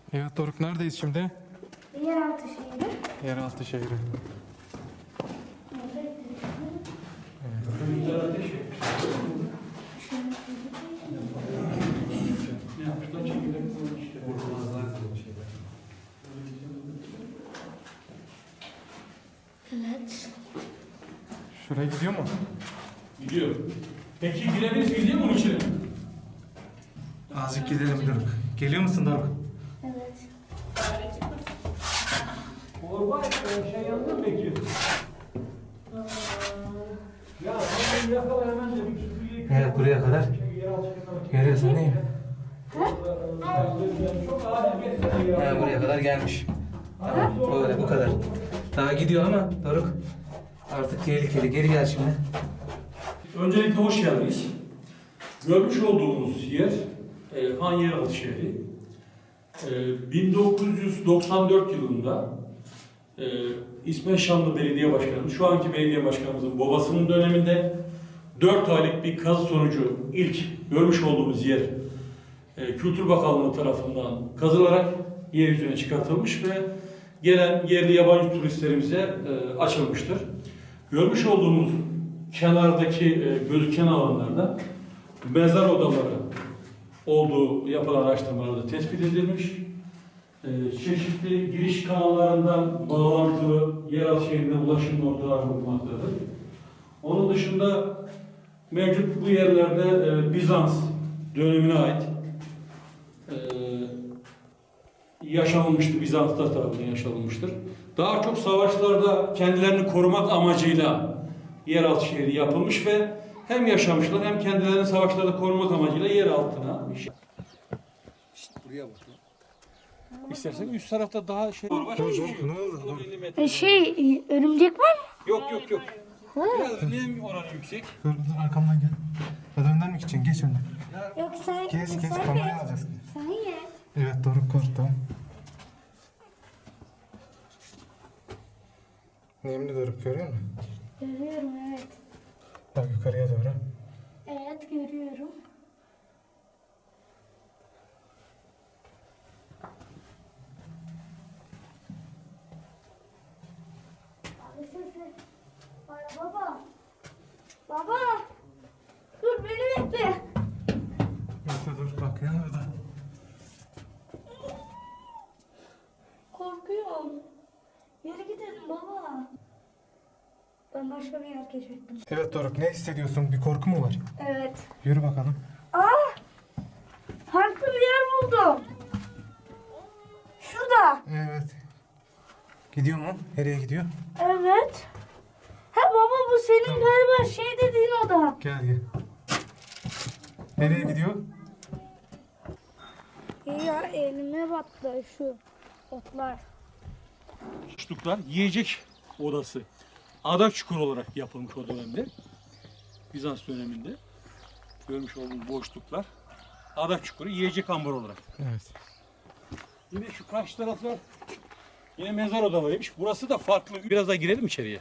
Evet Doruk, neredeyiz şimdi? Yeraltı şehri. Yeraltı şehri. Evet. Şuraya gidiyor mu? Gidiyor. Peki girebiliriz, gidiyor mu onun içine? Azıcık gidelim Doruk. Geliyor musun Doruk? Evet. Orba şey yandı mı peki? Ya sen yakala hemen de bir süpürgeyi... Evet, buraya kadar. Görüyorsun değil mi? Çok acil geçsene ya. Buraya kadar gelmiş. Tamam, böyle bu kadar. Daha gidiyor ama Doruk artık tehlikeli. Geri gel şimdi. Öncelikle hoş geldiniz. Görmüş olduğumuz yer Han Yeraltı şehri. 1994 yılında İsmet Şanlı Belediye Başkanı, şu anki belediye başkanımızın babasının döneminde 4 aylık bir kazı sonucu ilk görmüş olduğumuz yer Kültür Bakanlığı tarafından kazılarak yeryüzüne çıkartılmış ve gelen yerli yabancı turistlerimize açılmıştır. Görmüş olduğumuz kenardaki gözüken alanlarda mezar odaları olduğu yapılan araştırmalarda tespit edilmiş. Çeşitli giriş kanallarından bağlantılı yeraltı şehrine ulaşım noktaları bulunmaktadır. Onun dışında mevcut bu yerlerde Bizans dönemine ait yaşanılmıştır, Bizanslar tarafından yaşanılmıştır. Daha çok savaşlarda kendilerini korumak amacıyla yeraltı şehri yapılmış ve hem yaşamışlar hem kendilerini savaşlarda korumak amacıyla yer altına. Buraya bak. İstersen üst tarafta daha şey var. Ne oldu? Örümcek var mı? Yok. Biraz nem oranı yüksek. Dur arkamdan gel. Ya da önden mi gideceksin? Geç önden. Yok sen. Geç sen kamerayı ye. alacağız. Sen ye. Evet Doruk korktu. Nemli Doruk, görüyor musun? Görüyorum evet. Bak yukarıya doğru. Evet görüyorum. Abi sesi. Baba. Baba. Dur beni bekle. Bekle dur, bak yan orada. Korkuyorum. Yere gidelim baba. Ben başka bir yer keşfettim. Evet Doruk, ne hissediyorsun? Bir korku mu var? Evet. Yürü bakalım. Farklı bir yer buldum. Şurada. Evet. Gidiyor mu? Nereye gidiyor? Evet. Ha baba bu senin galiba şey dediğin oda. Gel. Nereye gidiyor? Ya elime battı şu otlar. Boşluklar yiyecek odası. Adak çukuru olarak yapılmış o dönemde. Bizans döneminde. Görmüş olduğunuz boşluklar. Adak çukuru yiyecek ambar olarak. Evet. Yine şu karşı taraflar yine mezar odalarıymış. Burası da farklı. Biraz daha girelim içeriye.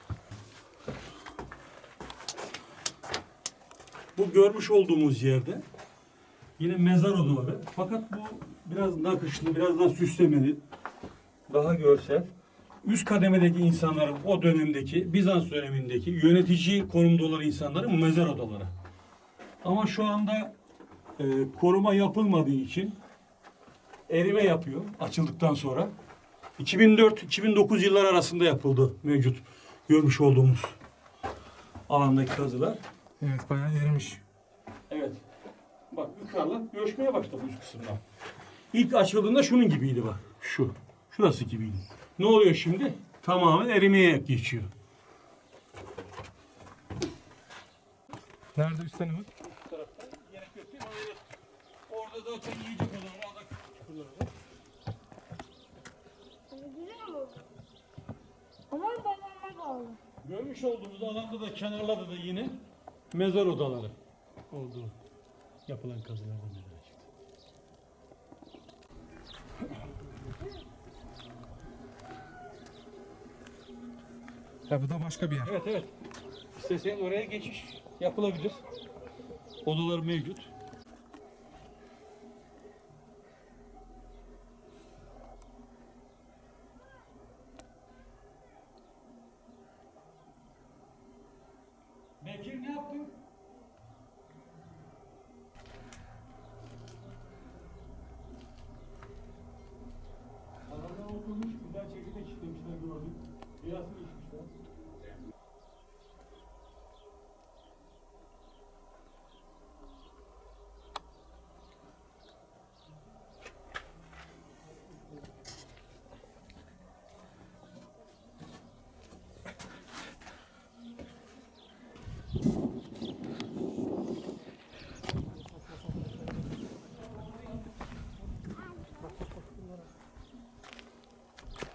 Bu görmüş olduğumuz yerde yine mezar odaları. Fakat bu biraz nakışlı, biraz daha süslemeli, daha görsel. Üst kademedeki insanların o dönemdeki, Bizans dönemindeki yönetici konumda olan insanların mezar odaları. Ama şu anda koruma yapılmadığı için erime yapıyor açıldıktan sonra. 2004-2009 yıllar arasında yapıldı mevcut görmüş olduğumuz alandaki kazılar. Evet, bayağı erimiş. Evet. Bak yukarıda göçmeye başladı üst kısımdan. İlk açıldığında şunun gibiydi bak. Şu. Şurası gibiydi. Ne oluyor şimdi? Tamamen erimeye geçiyor. Nerede üstte ne var? Bu tarafta yine kötü. Orada zaten yiyecek olan adak çukurları var. Ama babama bağlı. Görmüş olduğumuz alanda da kenarlarda da yine mezar odaları olduğu yapılan kazılardan meydana çıktı. Ya bu da başka bir yer. Evet. İsterseniz oraya geçiş yapılabilir. Odalar mevcut.